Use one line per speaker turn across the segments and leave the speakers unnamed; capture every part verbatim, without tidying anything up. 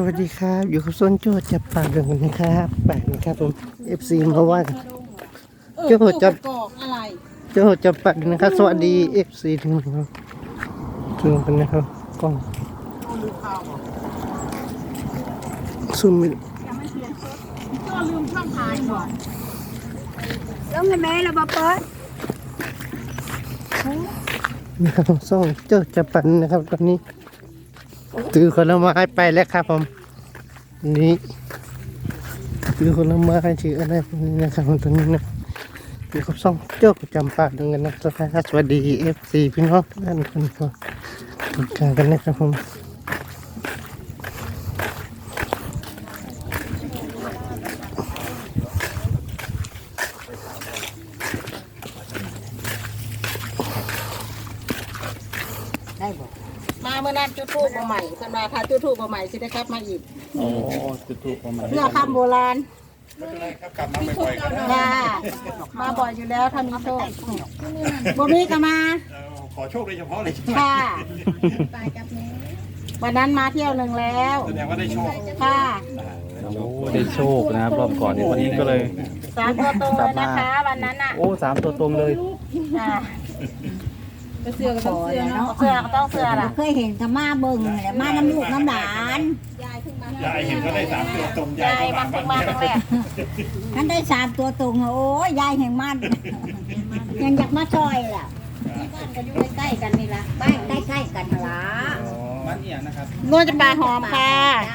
วัสดีครับอยู่กับส้นโจจับปากเรื่องกันนะครับแปลกนะครับผม เอฟ ซี มาว่ากันโจจับ
อะไร
โจจับปากนะครับสวัสดี เอฟ ซี ทุกคนครับทุกคนนะครับกล้องซูมไม่
ก็ลืมช่องถ่ายก่อน
แล้วไงแม่เราบอกเปิด
นะครับส่องโจจับปากนะครับตอนนี้ถือคนละไม้ไปแล้วครับผมนี่ถือคนละไม้ถืออะไรพวกนี้นะครับตอนนี้นะอยู่กับส่องโจจำปากเรื่องกันนะครับสวัสดี เอฟ ซี พี่น้องทุกท่านคนครับติดตามกันนะครับผม
มาเมื่อนั้นจุดทูบมาใหม่เพิ่นมาพาจุดทูบมาใหม่สิได้ครับมาอีก
โอ้จุดทูบประมาณ
เพื่อคำโบราณ
กลับมาบ่อยๆกันนะ
ค่ะมาบ่อยอยู่แล้วถ้ามีโชคบ่มีก็มา
ขอโชคโดยเฉพาะเลย
ค่ะวันนั้นมาเที่ยวหนึ่งแล้ว
แสดงว่าได้โชค
ค่ะ
ได้โชคนะครับรอบก่อนนี่วันนี้ก็เลย
สามตัวตรงเลยนะคะวันนั้นอ่ะ
โอ้สามตัวตรงเลย
ค่ะเสื้อก็ต้องเสื้อเนาะเสื้อก็ต้องเสื้อล่ะ
เคยเห็นกับมาเบิ่งแหละมาน้ำลูกน้ำหลาน
ยายเห็นก็ได้สามตัวตรงยาย
ยายมาเพิ่งมาครั้งแรก
ท่านได้สามตัวตรงโอ้ยยายแห่งมันยังอยากมาช่อยล่ะ
บ้านก็อยู่ใกล้ๆกันนี่ล่ะ
บ้านใกล้ๆกันหละ
มันเอียงนะครับ
นวดจะปลาหอมค่ะ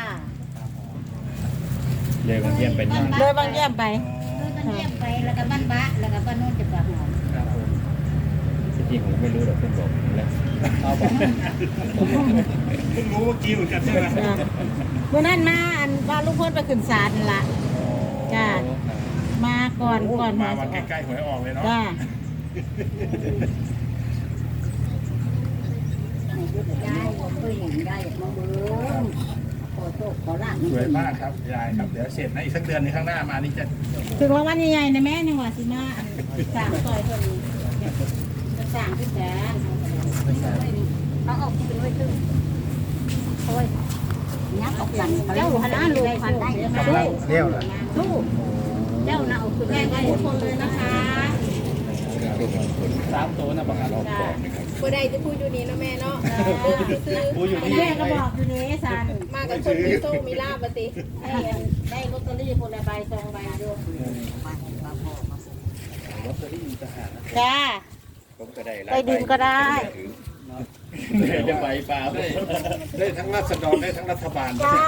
เลยมาเยี่ยมเป็นยัง
เลยบางเยี่ยมไป
มันเยี่ยมไปแล้วก็บ้านบะแล้วก็บ้านโน้นจะปากหอม
ครับผมจริงผมไม่รู้หรอกเพื่อนบอกแล้วเอาบอกเพิ่งรู้เมื่อกี้เหมือนกันใช่ไหม
เมื่อนั้นมาอันว่าลูกพ่นไปขึ้นศาลนั่นละจ้ามาก่อนก่อน
มา
มา
มาใกล้ๆหวยออกเลยเนาะ
จ้าย
ายผมเคยเห็นยายอยากมาเบิ่งขอโชคขอลาบ
สวยมากครับยายครับเดี๋ยวเสร็จนะอีกสักเดือนนึงข้างหน้ามานี่จะ
ถึงรางวัลใหญ่ๆนะแม่ยังว่าสิมาอันสร้างซอยเพิ่นจะสร้างที่แสนเขาเอาไปไว้ถึงโอ้ย
ยักษ์ออกกัน
เจ้าคณะลูกพันได้
กำลังเลี้ยวล่ะ
ลูกเจ้าน่ะเอาขึ้นแม่กันทุกคนเลยนะคะ
สามตัวนะบางอัน
จ้า
บ่ได้จะพูดอยู่นี่เนาะแม่เนาะ
กูอยู่นี่
แม่ก็บอกอยู่นี้สัน
มากับคนมีโซ่มีลาบมาติ
ได้ได้ลอตเตอรี่คนละใบสองใบอยู่จ้า
ผมก็ได้
ได้ดินก็ได้
ได้ใบเปล่าได้ได้ทั้งรัษฎรได้ทั้งรัฐบาล
จ้า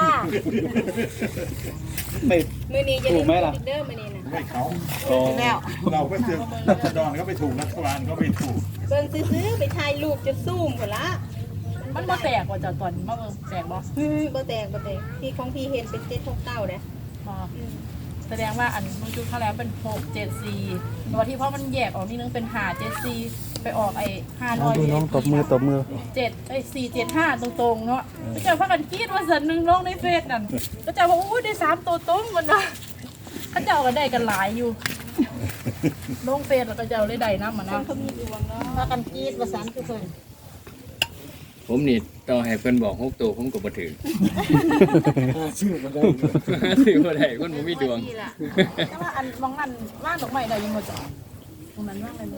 ไม่
มื้อนี้จะ
ถูกไหมล่ะ
เด้อมื้อนี้น่ะ
ไม่เขา
แล้ว
เราก็คือรัษฎรก็ไม่ถูกรัฐบาลก็ไม่ถูก
เบิ่งซื้อๆไปถ่ายรูปจะซูมพุ่นละ
มันบ่แตกว่าจะตอนมาเบิ่งแตกบ่
อืมบ่แตกบ่แตกที่ของพี่เห็นเป็นเจ็ดหกเก้าเด้อ
บ่แสดงว่าอันมันจุดเขาแล้วเป็นหกเจ็ดสี่ตัวที่เพราะมันแยกออกนิดนึงเป็นห้าเจ็ดสี่ไปออกไอ้ห้าร้อย
ดูน้องตบมือตบมือ
เจ็ดไอ้สี่เจ็ดห้าตรงๆเนาะก็เจ้าพากันคิดว่าสันหนึ่งลงในเฟซนั่นก็เจ้าว่าอู้ได้สามตัวตรงมันว่าเขาเจ้าก็ได้กันหลายอยู่ลงเฟซแล้วก็เจ้าเลยได้น้ำมันนะ
พากันกรีดว่าสันทุกคน
ผมนี่ต่อให้เพิ่นบอกหกตัวผมก็บ่ถึงชื่อบ่ได้ชื่อบ่ได้คนบ่มีดวง
แต่ว่าอันมองนั่นว่างดอกไม้ได้ยังบ่จ้ะตรงนั้นว่างเลย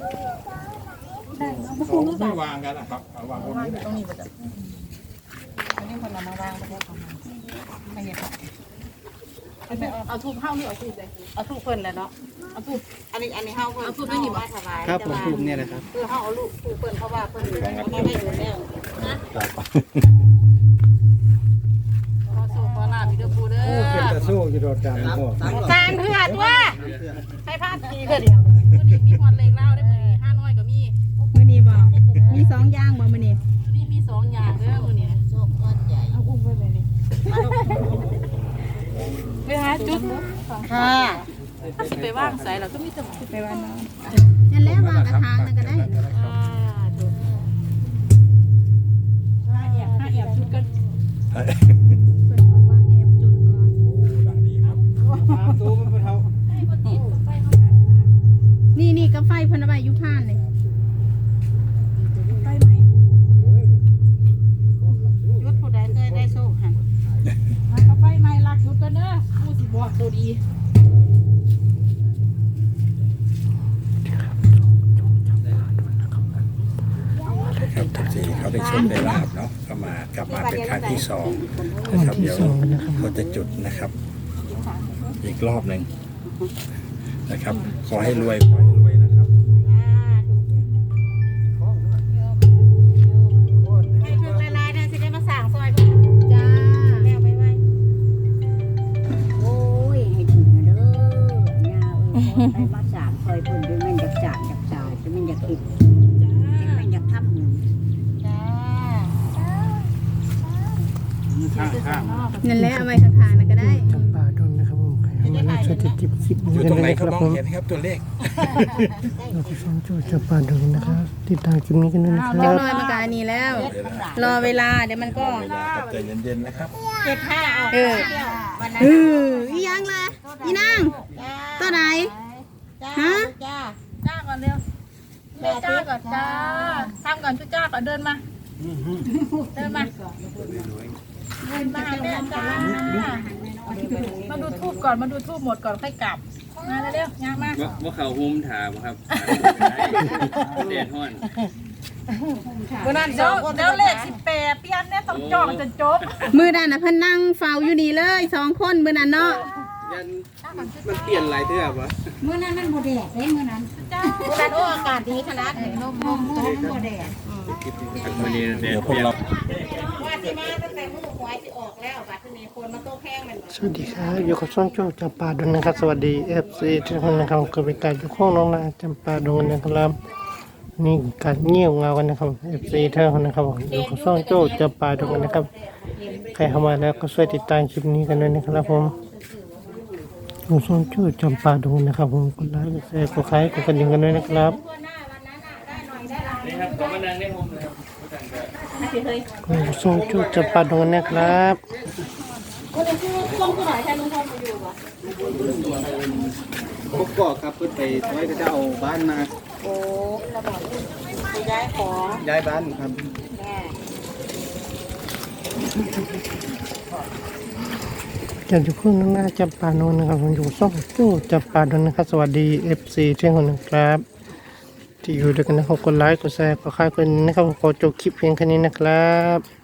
ไม่วางกันนะครับเอาวางตรง
ว่าง
นี้
อยู่ตรงนี้บ่จ้ะอันนี้คนเรามาวางประเทศของมันไม่เห็นครับเอาทูบเฮ้านี่เอาทูบเลย
เอาทุกคนเลยเนาะ
เอาทูบ
อันนี้อันนี้เฮาเพิ่น
เอาทุกไม่หยิบ
มาถวาย
ครับผมถูกเนี่ยนะครับ
คือเฮาเอาลูกทุกเพิ่นเพราะว่าเพิ่นไม่ได้อยู่แล้วนะ
ขอโชคขอลาบอีกเด้อปูเด้อ
จะสู้อยู่โดดดังพ่อ
จานเพื่อตัวให้พาทีเพื่อเดียว
มื้อนี้มีฮอดเลขเล่าได้มื้อนี้ห้าน้อยก็มี
มื้อนี้บอกมีสองอย่างบ่มื้อนี้
มื้อนี้มีสองอย่างเด้อมื้อนี้
โชคก้อนใหญ่
เอาอุ้มไว้เลยนี่ไปหาจุด
ค่ะ
ถ้าสิไปว่างใส่เราก็มีแต่
ไปวันน้องนั่นแหละวางกระถางนั่นก็ได้
อ่าจุดห้าแอบห้าแอบจุดกัน
เพิ่นบอกว่าแอบจุดก่อน
ดังดีครับสามตัวมันเป็นเท่า
นี่นี่ก็ไฟเพิ่นเอาไว้อยู่ผ่านเลย
ไปไหม
ยุดผู้ใดเคยได้โชคค่ะ
มาครับบอกตัวดี
ครับทุกทีเขาได้โชคได้ลาบเนาะก็มากลับมาเป็นครั้งที่สองนะครับเดี๋ยวเขาจะจุดนะครับ อีกรอบหนึ่งนะครับขอให้รวยขอให้รวยนะครับ
ให้ถึงหลายๆนะสิได้มาสั่งซอยเพิ่นจ้าแล้วไว้ไว้
โอ้ยให้ถึงนะเด้อย่าเออไปมาสามคอยเพิ่นด้วยมันอยากจานอยากจ่ายแต่มันอยากกินแต่มันอยากทำเงิน
จ้า
เงินแล้วเอาไว้ข้างๆนั่นก็ได้
จำปาดงนะครับผมใครเข้ามาแล้วช่วยติดจิบคลิป
อ
นี้
ยู่
กัน
ตรง
ด้วย
ไหน
นะค
เขา
รับ
มอง
ผม
เห็นครับตัวเลข
เราก็ส่งโจ้จำปาดงนะครับ ติดตามคลิปนี้กันด้วยนะค
เล็
รั
ก
บ
น้อยมันก็อันนี้แล้ว รอเวลาเดี๋ยวมันก็
เวลาครับใจเย็นๆนะครับ
เจ็ดห้าออก
เออ
เดียววันนั้น
เอออีหยังล่ะอีนาง
จ้า
ตัวไหน
จ้า
ฮะ
จ้า
จ้าก่อนเร็วแม่จ้าก่อนจ้าทำก่อนชุดจ้าก่อนเดินมาเดินมาเดินมาหาแม่จ้ามาดูทูบก่อนมาดูทูบหมดก่อนค่อยกลับมาเร็วๆยางมา
ว่าว่าเขาหุ้มถามครับเดดฮ้อน
เมื่อนั้นเดี๋ยวเดี๋ยวเลขสิบแปดเปลี่ยนเนี่ยต้องจองจนจบ
มือนั่นน่ะเพิ่นนั่งเฝ้าอยู่นี่เลยสองคนมือนั่นเนาะ
ยันมันเปลี่ยนหลายเทื่อปะ
เมื่อนั้นมันบ่แดดเด้เมื่อนั้น
วันนั้นโอ้อากาศดีขนาดนี้ลมลม
เมื่อนั้นมันบ่แดด
วันนี้เด
เดี๋
ด
ยวพ
เป
วก
ลี่ยน
เรา
ว่าสิมาตั้งแต่มื้อหวยสิออกแล้วบัดนี้คนมาโต๊ะแข้งมัน
สวัสดีครับอยู่กับช่องโจ้จำปาดงนะครับ สวัสดีเอฟซีทุกคนนะครับก็เป็นการอยู่ข้องน้องนาจำปาดงนะครับนี่การเงี่ยวเงากันนะครับเอฟซีเท่านั้นนะครับอยู่กับช่องโจ้จำปาดงนะครับใครเข้ามาแล้วก็ช่วยติดตามคลิปนี้กันด้วยนะครับผมอยู่ช่องโจ้จำปาดงนะครับผมกดไลค์กดแชร์กดไลค์กดกระดิ่งกันด้วยนะครับ
นี่ครับก็มานั่งได้ผมเลยครับ
อยู่ช่องโจ้จำปาดงนะครับ
พวกก็ครับเพิ่นไปไว้ก็จะเอาบ้านมา
โอ้ระบอกไปย้ายของ
ย้ายบ้านครับ
แม่
จะอยู่ข้องน้องนาจำปาดงนะครับผมอยู่ช่องโจ้จำปาดงนะครับสวัสดีเอฟซีทุกคนนะครับที่อยู่ด้วยกันนะครับกดไลค์กดแชร์กดค่ายกันนะครับขอจบคลิปเพียงแค่นี้นะครับ